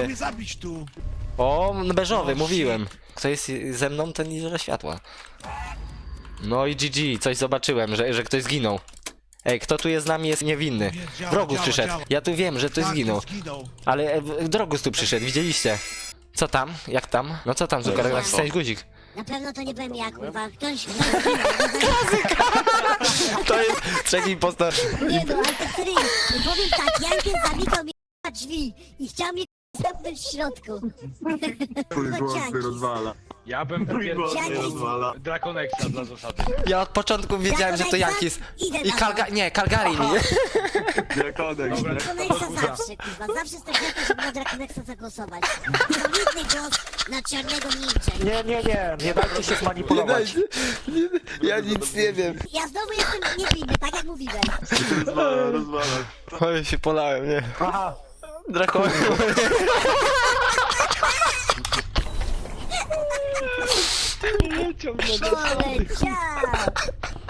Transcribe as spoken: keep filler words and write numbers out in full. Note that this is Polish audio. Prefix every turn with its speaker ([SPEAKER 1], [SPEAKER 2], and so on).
[SPEAKER 1] Chciał mnie zabić tu.
[SPEAKER 2] O, beżowy,
[SPEAKER 1] O,
[SPEAKER 2] mówiłem. Kto jest ze mną, ten nie zżera światła. No i G G, coś zobaczyłem, że, że ktoś zginął. Ej, kto tu jest z nami, jest niewinny.
[SPEAKER 1] Nie, działa,
[SPEAKER 2] Drogus
[SPEAKER 1] działa,
[SPEAKER 2] przyszedł.
[SPEAKER 1] działa.
[SPEAKER 2] Ja tu wiem, że ktoś
[SPEAKER 1] Tak,
[SPEAKER 2] zginął.
[SPEAKER 1] zginął.
[SPEAKER 2] Ale e, Drogus tu przyszedł, widzieliście? Co tam? Jak tam? No co tam, Zucker? Nacisnąć guzik.
[SPEAKER 3] Na pewno to nie byłem ja, kurwa. Ktoś... ktoś
[SPEAKER 2] To jest trzeci impostor.
[SPEAKER 3] nie no, ale to serio. Powiem tak, Jankiem zamykał mi k***a drzwi i chciał mnie k***a zamknąć w środku.
[SPEAKER 4] Trójgłosny rozwala.
[SPEAKER 5] Ja bym wypierdolił
[SPEAKER 4] Trójgłosny rozwala.
[SPEAKER 5] Draconexa dla zasady.
[SPEAKER 2] Ja od początku wiedziałem, że to Jankis. I Kalga... Nie, Calgary mi.
[SPEAKER 4] Diakonek,
[SPEAKER 5] Dobra.
[SPEAKER 3] Draconexa zawsze, kurwa. Zawsze jestem chętny, żeby na Draconexa zagłosować. Solidny głos na czarnego ninja.
[SPEAKER 6] Nie, nie, nie, nie dajcie się zmanipulować.
[SPEAKER 2] Ja nic nie wiem.
[SPEAKER 3] Ja znowu jestem niewinny, tak jak mówiłem.
[SPEAKER 4] rozwala, rozwala.
[SPEAKER 2] Oj, się polałem, nie?
[SPEAKER 6] Aha,
[SPEAKER 2] Drakon.
[SPEAKER 3] Poleciał!